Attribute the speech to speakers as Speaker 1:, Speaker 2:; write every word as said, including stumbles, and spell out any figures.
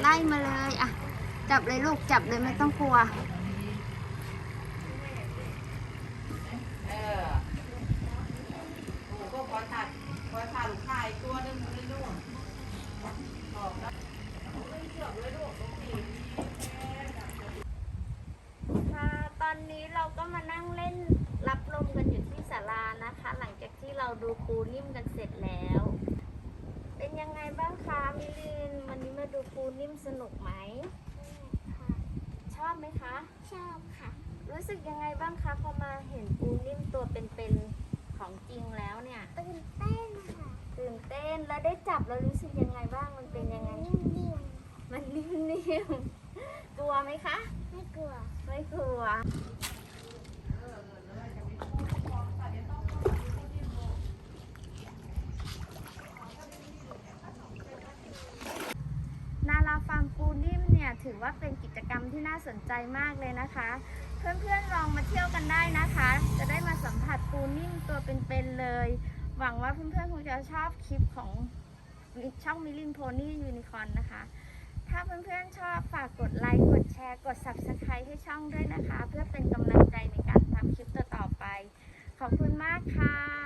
Speaker 1: ไล่มาเลยอ่ะจับเลยลูกจับเลยไม่ต้องกลัว
Speaker 2: เออโอ้ก็พอตัดพอตัดขายตัวนึงเลยลูกบอกแล้วเชือกเลยลูก
Speaker 1: ค่ะตอนนี้เราก็มานั่งเล่นรับลมกันอยู่ที่ศาลานะคะ หลังจากที่เราดูปูนิ่มกันเสร็จแล้วเป็นยังไงบ้างคะมิลินวันนี้มาดูปูนิ่มสนุกไหมค่ะชอบไหมคะชอบค่ะรู้สึกยังไงบ้างคะพอมาเห็นปูนิ่มตัวเป็นๆของจริงแล้วเนี่ยตื่นเต้นค่ะตื่นเต้นแล้วได้จับแล้วรู้สึกยังไงบ้างมันเป็นยังไงนิ่มๆมันนิ่มๆกลัวไหมคะไม่กลัวไม่กลัวนาราฟาร์มปูนิ่มเนี่ยถือว่าเป็นกิจกรรมที่น่าสนใจมากเลยนะคะเพื่อนๆลองมาเที่ยวกันได้นะคะจะได้มาสัมผัสปูนิ่มตัวเป็นๆเลยหวังว่าเพื่อนๆคงจะชอบคลิปของช่องมิลินโพนี่ยูนิคอร์นนะคะถ้าเพื่อนๆชอบฝากกดไลค์กดแชร์กด ซับสไครบ์ ให้ช่องด้วยนะคะเพื่อเป็นกำลังใจในการทำคลิปต่อๆไปขอบคุณมากค่ะ